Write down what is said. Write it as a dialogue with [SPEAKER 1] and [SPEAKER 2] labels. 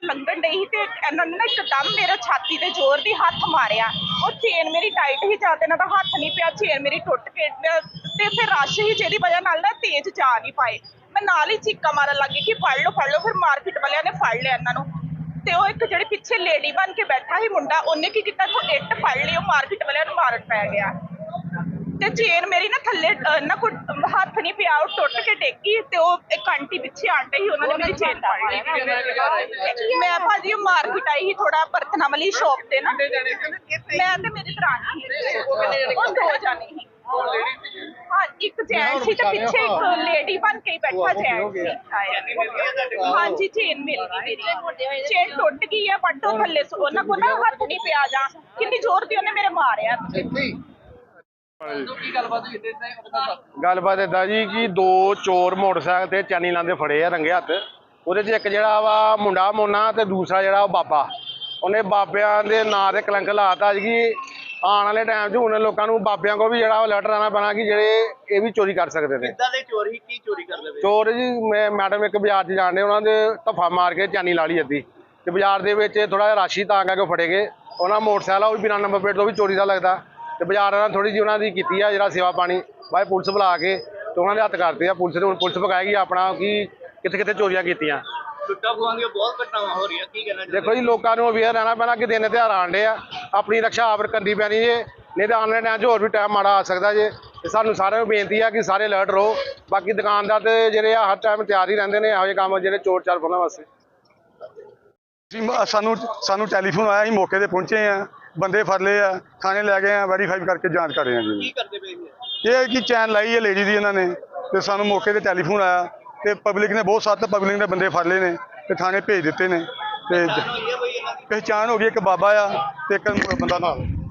[SPEAKER 1] ਲੰਘਣ ਡਈ ਸੀ ਤੇ ਇਹਨਾਂ ਨੇ ਨਾ ਇੱਕਦਮ ਮੇਰਾ ਛਾਤੀ ਤੇ ਜ਼ੋਰ ਦੀ ਹੱਥ ਮਾਰਿਆ। ਉਹ ਚੇਨ ਮੇਰੀ ਟਾਈਟ ਹੀ ਜਾਂ ਤੇ ਇਹਨਾਂ ਦਾ ਹੱਥ ਨਹੀਂ ਪਿਆ, ਚੇਨ ਮੇਰੀ ਟੁੱਟ ਕੇ ਤੇ ਫਿਰ ਰਸ਼ ਹੀ ਜਿਹਦੀ ਵਜ੍ਹਾ ਨਾਲ ਨਾ ਤੇਜ਼ ਜਾ ਨਹੀਂ ਪਾਏ। ਮੈਂ ਨਾਲ ਹੀ ਚੀਕਾਂ ਮਾਰਨ ਲੱਗੀ ਕਿ ਫੜ ਲਓ ਫੜ ਲਓ। ਫਿਰ ਮਾਰਕੀਟ ਵਾਲਿਆਂ ਨੇ ਫੜ ਲਿਆ ਇਹਨਾਂ ਨੂੰ ਤੇ ਉਹ ਇੱਕ ਜਿਹੜੇ ਪਿੱਛੇ ਲੇਡੀ ਬਣ ਕੇ ਬੈਠਾ ਸੀ ਮੁੰਡਾ, ਉਹਨੇ ਕੀ ਕੀਤਾ, ਤੋਂ ਇੱਟ ਫੜ ਲਈ, ਉਹ ਮਾਰਕੀਟ ਵਾਲਿਆਂ ਨੂੰ ਮਾਰਨ ਪੈ ਗਿਆ। ਤੇ ਚੇਨ ਮੇਰੀ ਨਾ ਥੱਲੇ ਨਾ ਕੋਈ ਹੱਥ ਨਹੀਂ ਪਿਆ, ਉਹ ਟੁੱਟ ਕੇ ਡੇਗੀ ਤੇ ਉਹ ਇੱਕ ਆਂਟੀ ਪਿੱਛੇ ਆਂਟੇ ਸੀ, ਉਹਨਾਂ ਨੇ ਮੇਰੀ ਚੇਨ ਫੜ ਲਈ। ਮੈਂ ਭਾਜੀ ਉਹ ਮਾਰਕੀਟ ਆਈ ਸੀ ਥੋੜਾ ਬਰਤਨਾਂ ਵਾਲੀ ਸ਼ੌਪ ਤੇ ਨਾ, ਮੈਂ ਤੇ ਮੇਰੀ ਦਰਾਣੀ ਉਹ ਦੋ ਜਾਣੇ ਸੀ। ਹਾਂ ਇੱਕ ਜੈਂਟ ਸੀ ਤੇ ਪਿੱਛੇ ਇੱਕ ਲੇਡੀ ਬਣ ਕੇ ਬੈਠਾ ਜੈਂਟ ਸੀ। ਹਾਂਜੀ ਚੇਨ ਮਿਲ ਗਈ, ਮੇਰੀ ਚੇਨ ਟੁੱਟ ਗਈ ਹੈ ਬਟ ਉਹ ਥੱਲੇ ਉਹਨਾਂ ਕੋਲ ਨਾ ਹੱਥ ਨਹੀਂ ਪਿਆ, ਜਾਂ ਕਿੰਨੀ ਜ਼ੋਰ ਦੀ ਉਹਨੇ ਮੇਰੇ ਮਾਰਿਆ।
[SPEAKER 2] ਗੱਲਬਾਤ ਏਦਾਂ ਜੀ ਕਿ ਦੋ ਚੋਰ ਮੋਟਰਸਾਈਕਲ ਤੇ ਚੈਨੀ ਲਾਉਂਦੇ ਫੜੇ ਆ ਰੰਗੇ ਹੱਥ। ਉਹਦੇ 'ਚ ਇੱਕ ਜਿਹੜਾ ਵਾ ਮੁੰਡਾ ਮੋਨਾ ਤੇ ਦੂਸਰਾ ਜਿਹੜਾ ਉਹ ਬਾਬਾ। ਉਹਨੇ ਬਾਬਿਆਂ ਦੇ ਨਾਂ ਤੇ ਕਲੰਕ ਲਾਤਾ ਕਿ ਆਉਣ ਵਾਲੇ ਟਾਈਮ 'ਚ ਹੁਣ ਲੋਕਾਂ ਨੂੰ ਬਾਬਿਆਂ ਕੋਲ ਵੀ ਜਿਹੜਾ ਉਹ ਅਲਰਟ ਰਹਿਣਾ ਪੈਣਾ ਕਿ ਜਿਹੜੇ ਇਹ ਵੀ ਚੋਰੀ ਕਰ ਸਕਦੇ ਨੇ।
[SPEAKER 3] ਕਿੱਦਾਂ ਦੇ ਚੋਰ ਹੀ ਕੀ ਚੋਰੀ ਕਰਦੇ ਪਏ?
[SPEAKER 2] ਚੋਰ ਜੀ ਮੈਡਮ ਇੱਕ ਬਾਜ਼ਾਰ 'ਚ ਜਾਣਦੇ, ਉਹਨਾਂ ਦੇ ਧੱਫਾ ਮਾਰ ਕੇ ਚੈਨੀ ਲਾ ਲਈ ਅੱਧੀ ਤੇ ਬਾਜ਼ਾਰ ਦੇ ਵਿੱਚ ਥੋੜਾ ਜਿਹਾ ਰਾਸ਼ੀ ਤਾਂ ਕਰਕੇ ਫੜੇ ਗਏ। ਉਹਨਾਂ ਮੋਟਰਸਾਈਕਲ ਉਹ ਵੀ ਬਿਨਾਂ ਨੰਬਰ ਪਲੇਟ ਤੋਂ ਵੀ ਚੋਰੀ ਦਾ ਲੱਗਦਾ ਤੇ ਬਾਜ਼ਾਰ ਨਾਲ ਥੋੜੀ ਜਿਹੀ ਉਹਨਾਂ ਦੀ ਕੀਤੀ ਆ ਜਿਹੜਾ ਸੇਵਾ ਪਾਣੀ ਬਾਈ ਪੁਲਿਸ ਬੁਲਾ ਕੇ ਤੇ ਉਹਨਾਂ ਦੇ ਹੱਥ ਕਰਦੇ ਆ। ਪੁਲਿਸ ਨੇ ਹੁਣ ਪੁਲਿਸ ਪਕਾਏਗੀ ਆਪਣਾ ਕਿ ਕਿੱਥੇ ਕਿੱਥੇ ਚੋਰੀਆਂ ਕੀਤੀਆਂ।
[SPEAKER 3] ਲੁੱਟਾਂ ਖੋਹਾਂ ਦੀਆਂ ਬਹੁਤ ਘਟਨਾਵਾਂ ਹੋ ਰਹੀਆਂ, ਕੀ ਕਹਿਣਾ ਚਾਹੁੰਦੇ?
[SPEAKER 2] ਦੇਖੋ ਜੀ ਲੋਕਾਂ ਨੂੰ ਅਵੇਅਰ ਰਹਿਣਾ ਪੈਣਾ ਕਿ ਦਿਨ ਤਿਉਹਾਰ ਆਉਣ ਡੇ ਆ, ਆਪਣੀ ਰਕਸ਼ਾ ਆਪ ਕਰਨੀ ਪੈਣੀ ਜੇ, ਨਹੀਂ ਤਾਂ ਆਉਣ ਵਾਲੇ ਟਾਈਮ 'ਚ ਹੋਰ ਵੀ ਟਾਈਮ ਮਾੜਾ ਆ ਸਕਦਾ ਜੇ। ਤੇ ਸਾਨੂੰ ਸਾਰਿਆਂ ਨੂੰ ਬੇਨਤੀ ਆ ਕਿ ਸਾਰੇ ਅਲਰਟ ਰਹੋ। ਬਾਕੀ ਦੁਕਾਨਦਾਰ ਤੇ ਜਿਹੜੇ ਆ ਹਰ ਟਾਈਮ ਤਿਆਰ ਹੀ ਰਹਿੰਦੇ ਨੇ ਇਹੋ ਜਿਹੇ ਕੰਮ ਜਿਹੜੇ ਚੋਰ ਚਾਰ ਫੜਨ ਵਾਸਤੇ।
[SPEAKER 4] ਸਾਨੂੰ ਟੈਲੀਫੋਨ ਆਇਆ, ਅਸੀਂ ਮੌਕੇ ਤੇ ਪਹੁੰਚੇ ਆ, ਬੰਦੇ ਫੜ ਲਏ ਆ, ਥਾਣੇ ਲੈ ਗਏ ਆ, ਵੈਰੀਫਾਈ ਕਰਕੇ ਜਾਂਚ ਕਰ ਰਹੇ ਆ ਜੀ।
[SPEAKER 3] ਕੀ ਕਰਦੇ ਪਏ ਸੀ?
[SPEAKER 4] ਇਹ ਕਿ ਚੈਨ ਲਾਈ ਹੈ ਲੇਡੀ ਦੀ ਇਹਨਾਂ ਨੇ ਤੇ ਸਾਨੂੰ ਮੌਕੇ ਤੇ ਟੈਲੀਫੋਨ ਆਇਆ ਤੇ ਪਬਲਿਕ ਨੇ ਬਹੁਤ ਸਖਤ ਪਬਲਿਕ ਨੇ ਬੰਦੇ ਫੜ ਲਏ ਨੇ ਤੇ ਥਾਣੇ ਭੇਜ ਦਿੱਤੇ ਨੇ ਤੇ ਪਹਿਚਾਣ ਹੋ ਗਈ। ਇੱਕ ਬਾਬਾ ਆ ਤੇ ਇੱਕ ਬੰਦਾ ਨਾਲ।